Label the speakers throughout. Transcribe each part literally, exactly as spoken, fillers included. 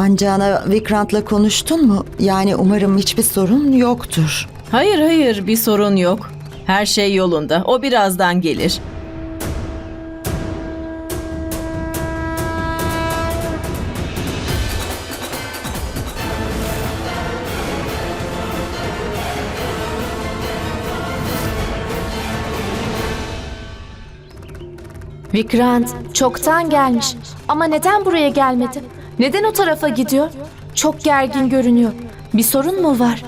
Speaker 1: Ancana Vikrant'la konuştun mu? Yani umarım hiçbir sorun yoktur.
Speaker 2: Hayır hayır bir sorun yok. Her şey yolunda. O birazdan gelir.
Speaker 3: Vikrant çoktan gelmiş ama neden buraya gelmedi? Neden o tarafa gidiyor? Çok gergin görünüyor. Bir sorun mu var?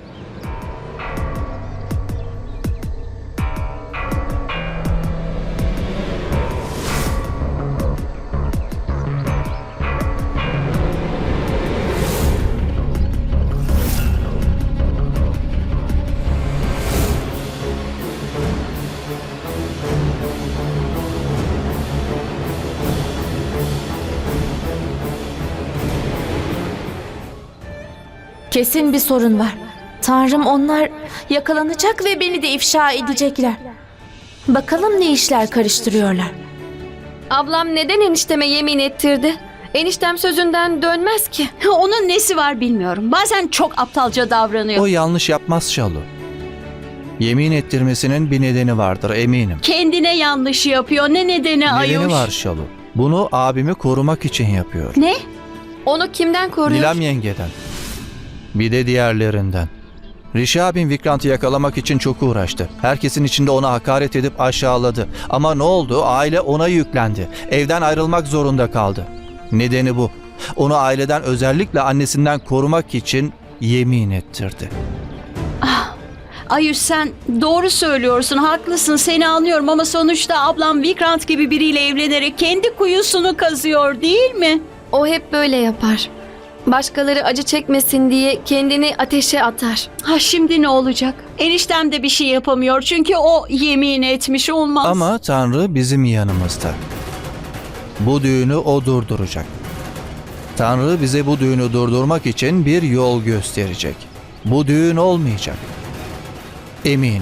Speaker 3: Kesin bir sorun var. Tanrım, onlar yakalanacak ve beni de ifşa edecekler. Bakalım ne işler karıştırıyorlar.
Speaker 4: Ablam neden enişteme yemin ettirdi? Eniştem sözünden dönmez ki.
Speaker 5: Onun nesi var bilmiyorum. Bazen çok aptalca davranıyor.
Speaker 6: O yanlış yapmaz Şalu. Yemin ettirmesinin bir nedeni vardır eminim.
Speaker 5: Kendine yanlış yapıyor. Ne nedeni Ayuş?
Speaker 6: Nedeni var Şalu. Bunu abimi korumak için yapıyor.
Speaker 5: Ne?
Speaker 4: Onu kimden koruyor?
Speaker 6: Nilam yengeden. Bir de diğerlerinden. Rishi abim Vikrant'ı yakalamak için çok uğraştı. Herkesin içinde ona hakaret edip aşağıladı. Ama ne oldu? Aile ona yüklendi. Evden ayrılmak zorunda kaldı. Nedeni bu. Onu aileden, özellikle annesinden korumak için yemin ettirdi.
Speaker 5: Ayuş, sen doğru söylüyorsun. Haklısın, seni anlıyorum ama sonuçta ablam Vikrant gibi biriyle evlenerek kendi kuyusunu kazıyor, değil mi?
Speaker 4: O hep böyle yapar. Başkaları acı çekmesin diye kendini ateşe atar.
Speaker 5: Ha, şimdi ne olacak? Eniştem de bir şey yapamıyor çünkü o yemin etmiş, olmaz.
Speaker 6: Ama Tanrı bizim yanımızda. Bu düğünü o durduracak. Tanrı bize bu düğünü durdurmak için bir yol gösterecek. Bu düğün olmayacak. Eminim.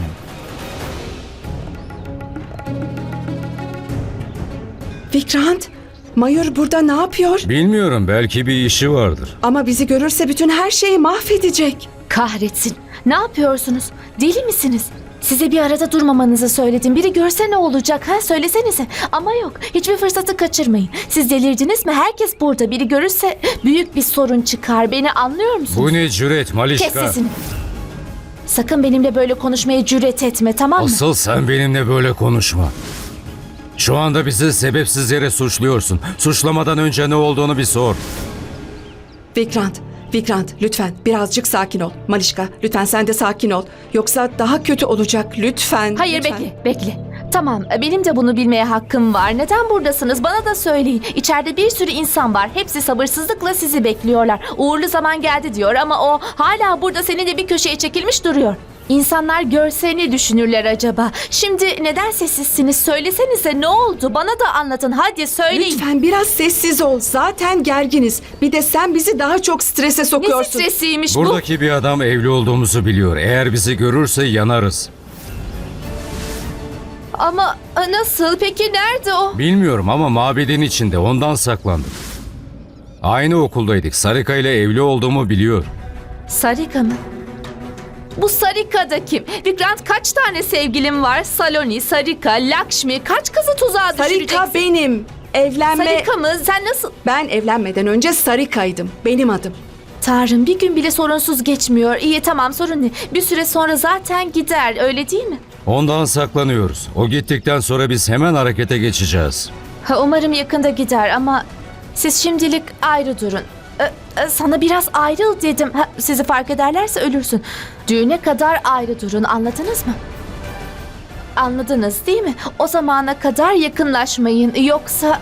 Speaker 7: Vikrant, Mayur burada ne yapıyor?
Speaker 8: Bilmiyorum, belki bir işi vardır.
Speaker 7: Ama bizi görürse bütün her şeyi mahvedecek.
Speaker 3: Kahretsin. Ne yapıyorsunuz? Deli misiniz? Size bir arada durmamanızı söyledim. Biri görse ne olacak, ha? Söylesenize. Ama yok. Hiçbir fırsatı kaçırmayın. Siz delirdiniz mi? Herkes burada. Biri görürse büyük bir sorun çıkar. Beni anlıyor musunuz?
Speaker 8: Bu ne cüret Malişka?
Speaker 3: Kes sesini. Sakın benimle böyle konuşmaya cüret etme, tamam mı?
Speaker 8: Asıl sen benimle böyle konuşma. Şu anda bizi sebepsiz yere suçluyorsun. Suçlamadan önce ne olduğunu bir sor.
Speaker 7: Vikrant, Vikrant lütfen birazcık sakin ol. Malişka, lütfen sen de sakin ol. Yoksa daha kötü olacak, lütfen.
Speaker 3: Hayır,
Speaker 7: lütfen.
Speaker 3: bekle, bekle. Tamam, benim de bunu bilmeye hakkım var. Neden buradasınız? Bana da söyleyin. İçeride bir sürü insan var. Hepsi sabırsızlıkla sizi bekliyorlar. Uğurlu zaman geldi diyor ama o hala burada seninle bir köşeye çekilmiş duruyor. İnsanlar görse ne düşünürler acaba? Şimdi neden sessizsiniz? Söylesenize, ne oldu? Bana da anlatın. Hadi söyleyin.
Speaker 7: Lütfen biraz sessiz ol. Zaten gerginiz. Bir de sen bizi daha çok strese
Speaker 3: Ne
Speaker 7: sokuyorsun.
Speaker 3: stresiymiş bu?
Speaker 8: Buradaki bir adam evli olduğumuzu biliyor. Eğer bizi görürse yanarız.
Speaker 3: Ama a, nasıl? Peki nerede o?
Speaker 8: Bilmiyorum ama mabedin içinde, ondan saklandık. Aynı okuldaydık. Sarika ile evli olduğumu biliyor.
Speaker 3: Sarika mı? Bu Sarika da kim? Vikrant, kaç tane sevgilim var? Saloni, Sarika, Lakshmi. Kaç kızı tuzağa düşüreceksin?
Speaker 7: Sarika benim. Evlenme...
Speaker 3: Sarika mı? Sen nasıl?
Speaker 7: Ben evlenmeden önce Sarika'ydım. Benim adım.
Speaker 3: Tanrım, bir gün bile sorunsuz geçmiyor. İyi, tamam, sorun ne? Bir süre sonra zaten gider, öyle değil mi?
Speaker 8: Ondan saklanıyoruz. O gittikten sonra biz hemen harekete geçeceğiz.
Speaker 3: Ha, umarım yakında gider ama siz şimdilik ayrı durun. Ee, e, sana biraz ayrıl dedim. Ha, sizi fark ederlerse ölürsün. Düğüne kadar ayrı durun, anladınız mı? Anladınız değil mi? O zamana kadar yakınlaşmayın, yoksa...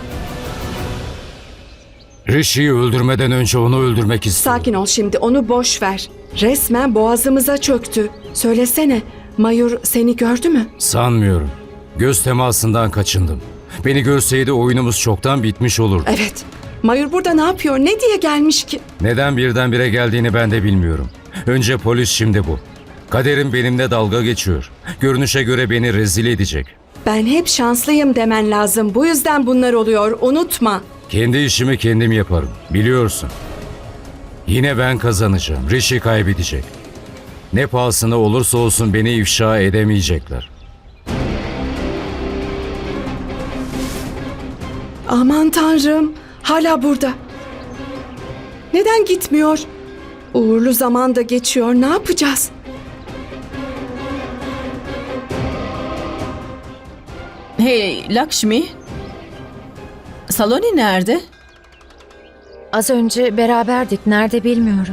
Speaker 8: Rishi'yi öldürmeden önce onu öldürmek istiyorum.
Speaker 7: Sakin ol şimdi. Onu boş ver. Resmen boğazımıza çöktü. Söylesene. Mayur seni gördü mü?
Speaker 8: Sanmıyorum. Göz temasından kaçındım. Beni görseydi oyunumuz çoktan bitmiş olurdu.
Speaker 7: Evet. Mayur burada ne yapıyor? Ne diye gelmiş ki?
Speaker 8: Neden birdenbire geldiğini ben de bilmiyorum. Önce polis, şimdi bu. Kaderim benimle dalga geçiyor. Görünüşe göre beni rezil edecek.
Speaker 7: Ben hep şanslıyım demen lazım. Bu yüzden bunlar oluyor. Unutma.
Speaker 8: Kendi işimi kendim yaparım. Biliyorsun. Yine ben kazanacağım. Rishi kaybedecek. Ne pahasına olursa olsun beni ifşa edemeyecekler.
Speaker 7: Aman tanrım, hala burada. Neden gitmiyor? Uğurlu zaman da geçiyor, ne yapacağız?
Speaker 2: Hey Lakshmi. Saloni nerede?
Speaker 9: Az önce beraberdik. Nerede bilmiyorum.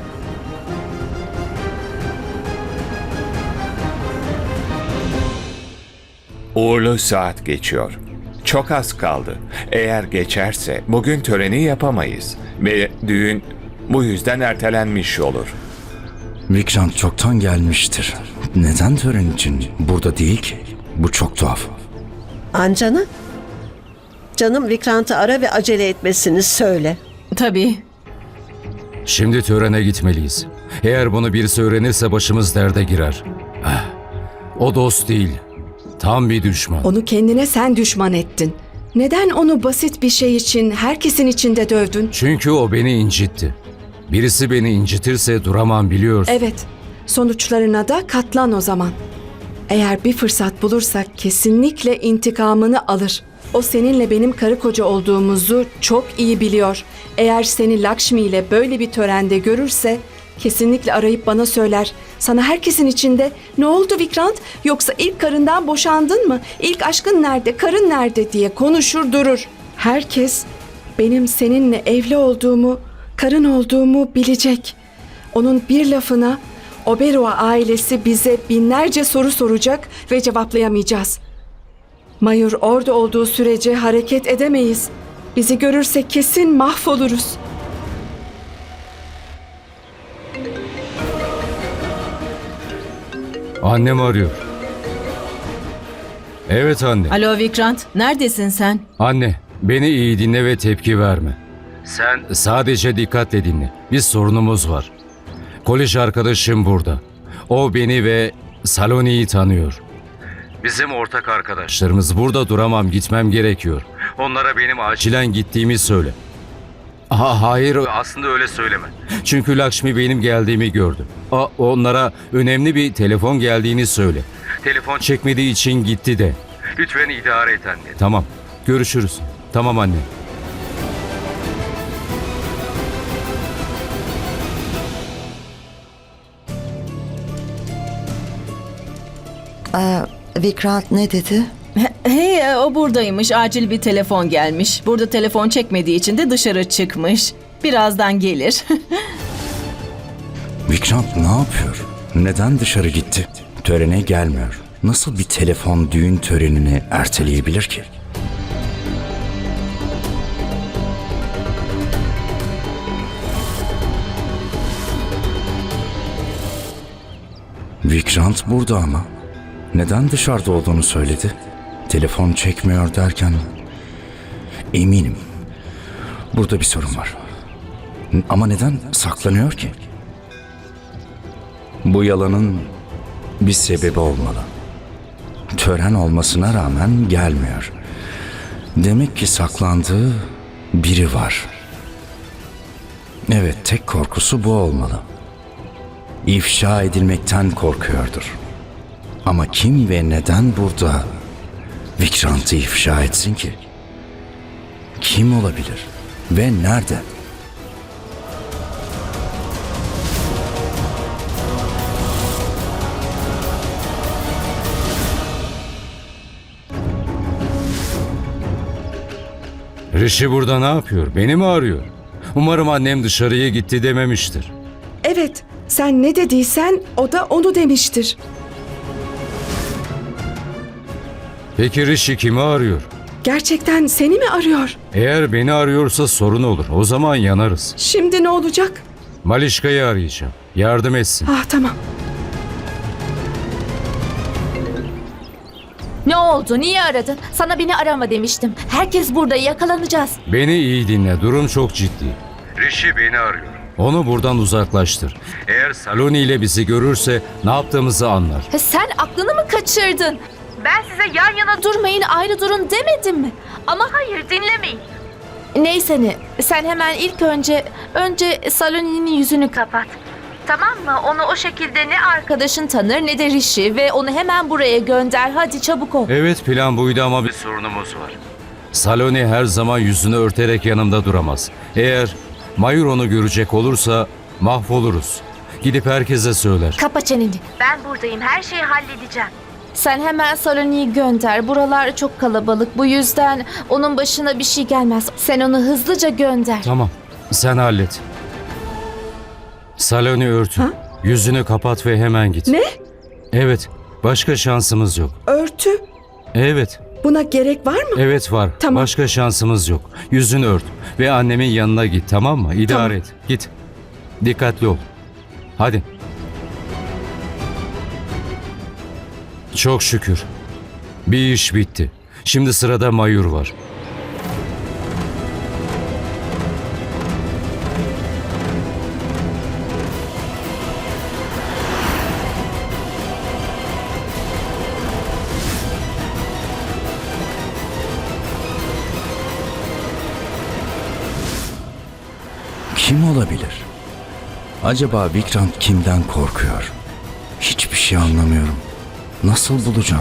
Speaker 10: Uğurlu saat geçiyor. Çok az kaldı. Eğer geçerse bugün töreni yapamayız. Ve düğün bu yüzden ertelenmiş olur.
Speaker 11: Vikrant çoktan gelmiştir. Neden tören için burada değil ki? Bu çok tuhaf.
Speaker 12: Ancanı? Canım Vikrant'ı ara ve acele etmesini söyle.
Speaker 2: Tabii.
Speaker 8: Şimdi törene gitmeliyiz. Eğer bunu birisi öğrenirse başımız derde girer. Ah, o dost değil. Tam bir düşman.
Speaker 7: Onu kendine sen düşman ettin. Neden onu basit bir şey için herkesin içinde dövdün?
Speaker 8: Çünkü o beni incitti. Birisi beni incitirse duramam biliyorsun.
Speaker 7: Evet, sonuçlarına da katlan o zaman. Eğer bir fırsat bulursak kesinlikle intikamını alır. O seninle benim karı koca olduğumuzu çok iyi biliyor. Eğer seni Lakshmi ile böyle bir törende görürse kesinlikle arayıp bana söyler. Sana herkesin içinde ne oldu Vikrant? Yoksa ilk karından boşandın mı? İlk aşkın nerede? Karın nerede diye konuşur durur. Herkes benim seninle evli olduğumu, karın olduğumu bilecek. Onun bir lafına Oberoi ailesi bize binlerce soru soracak ve cevaplayamayacağız. Mayur orada olduğu sürece hareket edemeyiz. Bizi görürse kesin mahvoluruz.
Speaker 8: Annem arıyor. Evet anne.
Speaker 2: Alo Vikrant, neredesin sen?
Speaker 8: Anne, beni iyi dinle ve tepki verme. Sen sadece dikkatle dinle. Bir sorunumuz var. Kolej arkadaşım burada. O beni ve Saloni'yi tanıyor. Bizim ortak arkadaşlarımız. Burada duramam, gitmem gerekiyor. Onlara benim acilen gittiğimi söyle. Ha, hayır, aslında öyle söyleme. Çünkü Lakshmi benim geldiğimi gördü. A, onlara önemli bir telefon geldiğini söyle. Telefon çekmediği için gitti de. Lütfen idare et anne. Tamam, görüşürüz. Tamam anne.
Speaker 1: Ee, Vikrant ne dedi?
Speaker 2: He- Hey, o buradaymış. Acil bir telefon gelmiş. Burada telefon çekmediği için de dışarı çıkmış. Birazdan gelir.
Speaker 11: Vikrant ne yapıyor? Neden dışarı gitti? Törene gelmiyor. Nasıl bir telefon düğün törenini erteleyebilir ki? Vikrant burada ama. Neden dışarıda olduğunu söyledi? Telefon çekmiyor derken eminim burada bir sorun var. N- Ama neden saklanıyor ki? Bu yalanın bir sebebi olmalı. Tören olmasına rağmen gelmiyor. Demek ki saklandığı biri var. Evet, tek korkusu bu olmalı. İfşa edilmekten korkuyordur. Ama kim ve neden burada Vikrant'ı ifşa etsin ki? Kim olabilir ve nerede?
Speaker 8: Rishi burada ne yapıyor? Beni mi arıyor? Umarım annem dışarıya gitti dememiştir.
Speaker 7: Evet, sen ne dediysen o da onu demiştir.
Speaker 8: Peki Rishi kimi arıyor?
Speaker 7: Gerçekten seni mi arıyor?
Speaker 8: Eğer beni arıyorsa sorun olur. O zaman yanarız.
Speaker 7: Şimdi ne olacak?
Speaker 8: Malişka'yı arayacağım. Yardım etsin.
Speaker 7: Ah tamam.
Speaker 3: Ne oldu? Niye aradın? Sana beni arama demiştim. Herkes burada, yakalanacağız.
Speaker 8: Beni iyi dinle. Durum çok ciddi. Rishi beni arıyor. Onu buradan uzaklaştır. Eğer Saloni ile bizi görürse ne yaptığımızı anlar.
Speaker 3: Ha, sen aklını mı kaçırdın? Ben size yan yana durmayın, ayrı durun demedim mi? Ama hayır, dinlemeyin. Neyse ne, sen hemen ilk önce, önce Saloni'nin yüzünü kapat. Tamam mı? Onu o şekilde ne arkadaşın tanır ne de Rishi ve onu hemen buraya gönder. Hadi çabuk ol.
Speaker 8: Evet, plan buydu ama bir sorunumuz var. Saloni her zaman yüzünü örterek yanımda duramaz. Eğer Mayur onu görecek olursa mahvoluruz. Gidip herkese söyler.
Speaker 3: Kapa çeneni. Ben buradayım. Her şeyi halledeceğim. Sen hemen Saloni'yi gönder. Buralar çok kalabalık. Bu yüzden onun başına bir şey gelmez. Sen onu hızlıca gönder.
Speaker 8: Tamam, sen hallet. Saloni örtün.
Speaker 7: Ha?
Speaker 8: Yüzünü kapat ve hemen git.
Speaker 7: Ne?
Speaker 8: Evet, başka şansımız yok.
Speaker 7: Örtü?
Speaker 8: Evet,
Speaker 7: Buna gerek var mı?
Speaker 8: evet var.
Speaker 7: Tamam.
Speaker 8: Başka şansımız yok. Yüzünü ört ve annemin yanına git, tamam mı? İdare
Speaker 7: Tamam.
Speaker 8: et. Git. Dikkatli ol. Hadi. Çok şükür. Bir iş bitti. Şimdi sırada Mayur var.
Speaker 11: Kim olabilir? Acaba Vikrant kimden korkuyor? Hiçbir şey anlamıyorum. Nasıl bulacağım?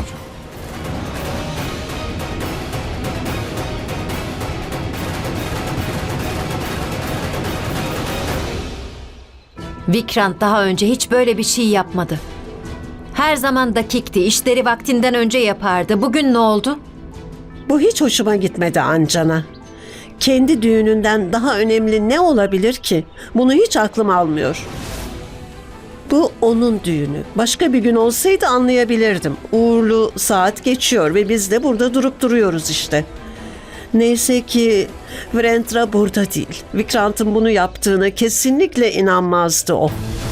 Speaker 9: Vikrant daha önce hiç böyle bir şey yapmadı. Her zaman dakikti, işleri vaktinden önce yapardı. Bugün ne oldu?
Speaker 12: Bu hiç hoşuma gitmedi Ancana. Kendi düğününden daha önemli ne olabilir ki? Bunu hiç aklım almıyor. Bu onun düğünü. Başka bir gün olsaydı anlayabilirdim. Uğurlu saat geçiyor ve biz de burada durup duruyoruz işte. Neyse ki Virendra burada değil. Vikrant'ın bunu yaptığını kesinlikle inanmazdı o.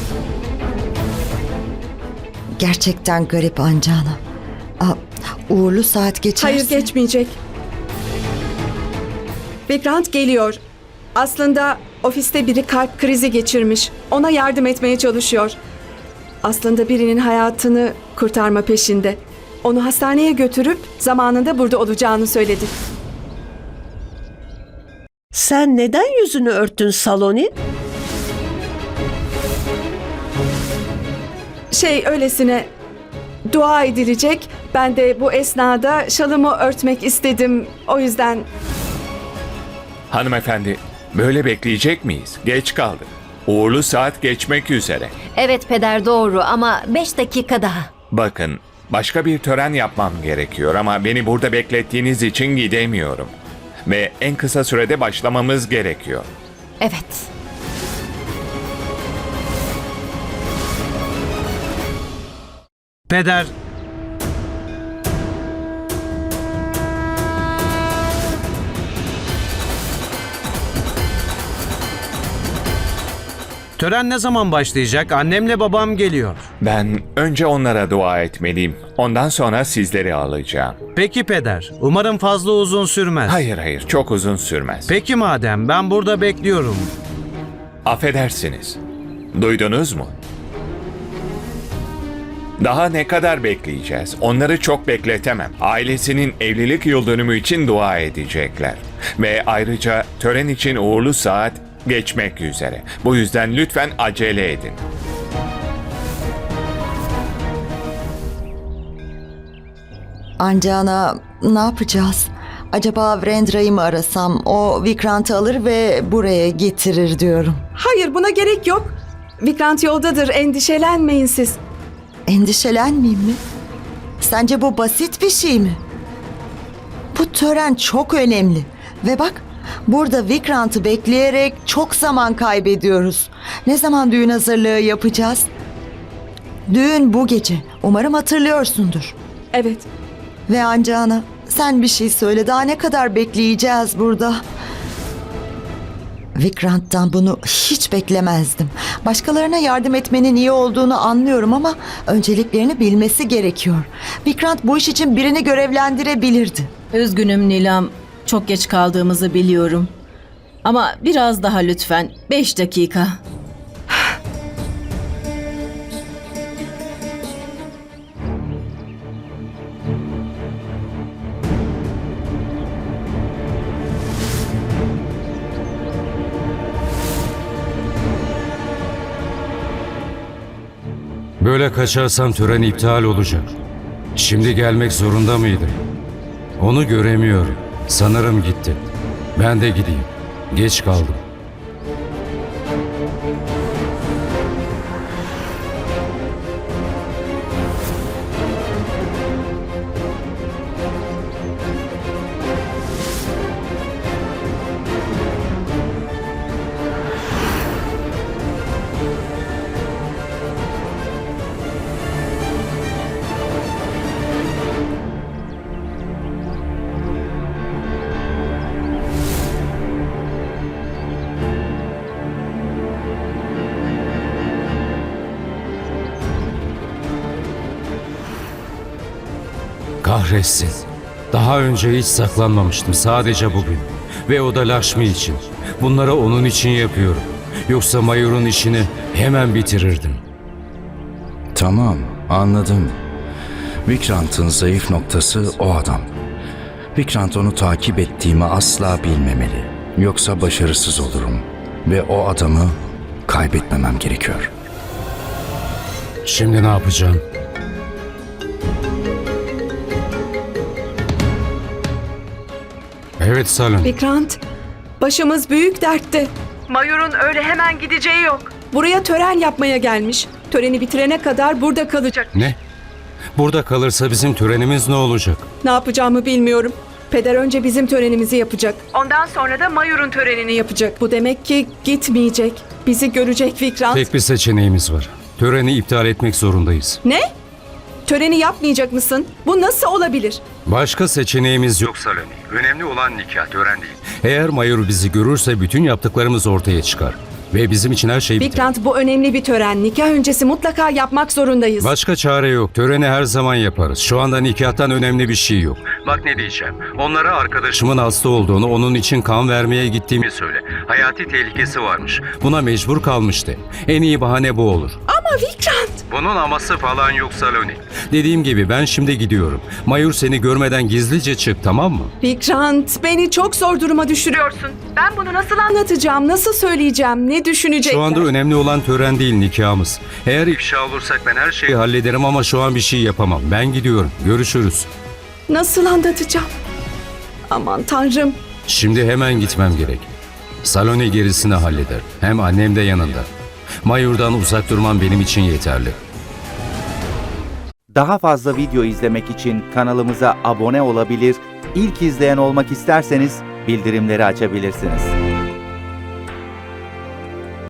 Speaker 1: Gerçekten garip Ancana. Aa, uğurlu saat geçerse...
Speaker 7: Hayır, geçmeyecek. Vikrant geliyor. Aslında ofiste biri kalp krizi geçirmiş. Ona yardım etmeye çalışıyor. Aslında birinin hayatını kurtarma peşinde. Onu hastaneye götürüp zamanında burada olacağını söyledi.
Speaker 12: Sen neden yüzünü örttün Saloni?
Speaker 7: Şey, öylesine dua edilecek. Ben de bu esnada şalımı örtmek istedim. O yüzden...
Speaker 10: Hanımefendi, böyle bekleyecek miyiz? Geç kaldık. Uğurlu saat geçmek üzere.
Speaker 9: Evet peder, doğru, ama beş dakika daha.
Speaker 10: Bakın, başka bir tören yapmam gerekiyor ama beni burada beklettiğiniz için gidemiyorum. Ve en kısa sürede başlamamız gerekiyor.
Speaker 9: Evet.
Speaker 13: Peder. Tören ne zaman başlayacak? Annemle babam geliyor.
Speaker 10: Ben önce onlara dua etmeliyim. Ondan sonra sizleri alacağım.
Speaker 13: Peki peder. Umarım fazla uzun sürmez.
Speaker 10: Hayır hayır, çok uzun sürmez.
Speaker 13: Peki madem, ben burada bekliyorum.
Speaker 10: Affedersiniz. Duydunuz mu? Daha ne kadar bekleyeceğiz? Onları çok bekletemem. Ailesinin evlilik yıl dönümü için dua edecekler. Ve ayrıca tören için uğurlu saat geçmek üzere. Bu yüzden lütfen acele edin.
Speaker 1: Ancana, ne yapacağız? Acaba Virendra'yı mı arasam? O Vikrant'ı alır ve buraya getirir diyorum.
Speaker 7: Hayır, buna gerek yok. Vikrant yoldadır, endişelenmeyin siz.
Speaker 1: Endişelenmeyeyim mi? Sence bu basit bir şey mi? Bu tören çok önemli. Ve bak, burada Vikrant'ı bekleyerek çok zaman kaybediyoruz. Ne zaman düğün hazırlığı yapacağız? Düğün bu gece. Umarım hatırlıyorsundur.
Speaker 7: Evet.
Speaker 1: Ve Ancana, sen bir şey söyle. Daha ne kadar bekleyeceğiz burada? Vikrant'tan bunu hiç beklemezdim. Başkalarına yardım etmenin iyi olduğunu anlıyorum ama önceliklerini bilmesi gerekiyor. Vikrant bu iş için birini görevlendirebilirdi.
Speaker 2: Üzgünüm Nilam. Çok geç kaldığımızı biliyorum. Ama biraz daha lütfen. Beş dakika.
Speaker 8: Böyle kaçarsam tören iptal olacak. Şimdi gelmek zorunda mıydı? Onu göremiyorum. Sanırım gitti. Ben de gideyim. Geç kaldım. Kahretsin. Daha önce hiç saklanmamıştım. Sadece bugün. Ve o da Lakshmi için. Bunları onun için yapıyorum. Yoksa Mayur'un işini hemen bitirirdim.
Speaker 11: Tamam, anladım. Vikrant'ın zayıf noktası o adam. Vikrant onu takip ettiğimi asla bilmemeli. Yoksa başarısız olurum. Ve o adamı kaybetmemem gerekiyor.
Speaker 8: Şimdi ne yapacağım? Evet Salon.
Speaker 7: Vikrant, başımız büyük dertte. Mayur'un öyle hemen gideceği yok. Buraya tören yapmaya gelmiş. Töreni bitirene kadar burada kalacak.
Speaker 8: Ne? Burada kalırsa bizim törenimiz ne olacak?
Speaker 7: Ne yapacağımı bilmiyorum. Peder önce bizim törenimizi yapacak. Ondan sonra da Mayur'un törenini yapacak. Bu demek ki gitmeyecek. Bizi görecek Vikrant.
Speaker 8: Tek bir seçeneğimiz var. Töreni iptal etmek zorundayız.
Speaker 7: Ne? Töreni yapmayacak mısın? Bu nasıl olabilir?
Speaker 8: Başka seçeneğimiz yok Saloni. Önemli olan nikah, tören değil. Eğer Mayur bizi görürse bütün yaptıklarımız ortaya çıkar. Ve bizim için her şey biter.
Speaker 7: Vikrant, bu önemli bir tören. Nikah öncesi mutlaka yapmak zorundayız.
Speaker 8: Başka çare yok. Töreni her zaman yaparız. Şu anda nikahtan önemli bir şey yok. Bak ne diyeceğim. Onlara arkadaşımın hasta olduğunu, onun için kan vermeye gittiğimi söyle. Hayati tehlikesi varmış. Buna mecbur kalmıştı. En iyi bahane bu olur.
Speaker 7: Ama Vikrant!
Speaker 8: Bunun aması falan yok Saloni. Dediğim gibi ben şimdi gidiyorum. Mayur seni görmeden gizlice çık, tamam mı?
Speaker 7: Vikrant, beni çok zor duruma düşürüyorsun. Ben bunu nasıl anlatacağım, nasıl söyleyeceğim, ne düşünecekler?
Speaker 8: Şu anda önemli olan tören değil, nikahımız. Eğer ifşa olursak ben her şeyi hallederim ama şu an bir şey yapamam. Ben gidiyorum. Görüşürüz.
Speaker 7: Nasıl anlatacağım? Aman Tanrım.
Speaker 8: Şimdi hemen gitmem gerek. Saloni gerisini halleder. Hem annem de yanında. Mayur'dan uzak durmam benim için yeterli.
Speaker 14: Daha fazla video izlemek için kanalımıza abone olabilir, ilk izleyen olmak isterseniz bildirimleri açabilirsiniz.